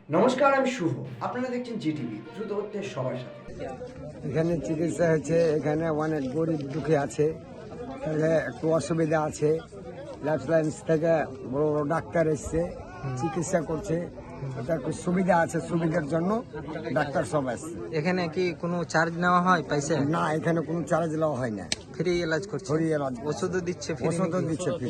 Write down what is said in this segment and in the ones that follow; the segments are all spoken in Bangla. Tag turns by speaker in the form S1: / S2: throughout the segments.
S1: নমস্কার, আমি শুভ। আপনারা দেখছেন জিটিভি, দ্রুত হচ্ছে সবার সাথে।
S2: এখানে চিকিৎসা হচ্ছে, এখানে অনেক গরিব দুঃখী আছে, তাহলে একটু অসুবিধা আছে। লাইফ লাইন্স থেকে বড় বড় ডাক্তার এসছে, চিকিৎসা করছে, এটা একটু সুবিধা আছে, সুবিধার জন্য ডাক্তার সব আসছে।
S3: এখানে কি কোনো চার্জ নেওয়া হয় পয়সা?
S2: না, এখানে কোনো চার্জ নেওয়া হয় না,
S3: ফ্রি এলাজ করছে?
S2: ফ্রি এলাজ,
S3: ওষুধও দিচ্ছে ফ্রি?
S2: ওষুধও দিচ্ছে ফ্রি।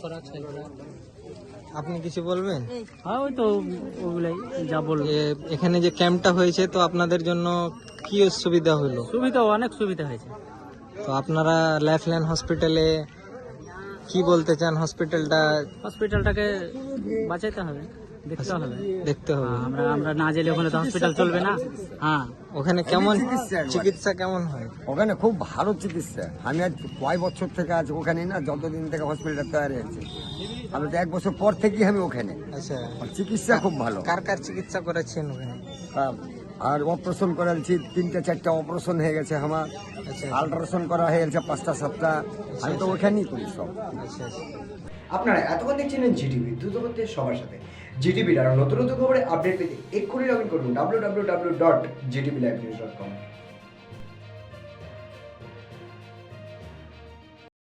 S3: আপনি কিছু বলবেন?
S4: হ্যাঁ, ওই তো ওগুলাই যা বলবো।
S3: এখানে যে ক্যাম্পটা হয়েছে, তো আপনাদের জন্য কি সুবিধা হলো?
S4: সুবিধা, অনেক সুবিধা হয়েছে।
S3: তো আপনারা লাইফলাইন হসপিটালে কি বলতে চান?
S4: হসপিটালটাকে বাঁচাইতে হবে, দেখতে হবে।
S3: দেখতে হবে।
S4: আমরা না গেলে ওখানে তো হসপিটাল চলবে না। হ্যাঁ,
S3: ওখানে কেমন
S2: চিকিৎসা একবারে।
S3: চিকিৎসা কেমন হয়?
S2: ওখানে খুব ভালো চিকিৎসা। আমি আজ কয় বছর থেকে আছি ওখানে, না যতদিন থেকে হসপিটাল তৈরি হয়েছে, আমি তো 1 বছর পর থেকেই আমি ওখানে।
S3: আচ্ছা,
S2: আর চিকিৎসা খুব ভালো।
S3: কার কার চিকিৎসা করেছেন ওখানে?
S2: আর অপারেশন করাচ্ছি, 3-4টা অপারেশন হয়ে গেছে আমার।
S3: আচ্ছা
S2: আল্ট্রাসাউন্ড করা হয়ে গেছে 5টা-7টা। আমি তো ওখানেই করি সব।
S3: আচ্ছা আচ্ছা।
S1: আপনারা এতক্ষণ দেখছিলেন জিটিভি, দ্রুত হচ্ছে সবার সাথে। জিটিভির আরও নতুন নতুন খবরে আপডেট পেতে এক্ষুনি লগ ইন করুন www.gtvlivenews.com।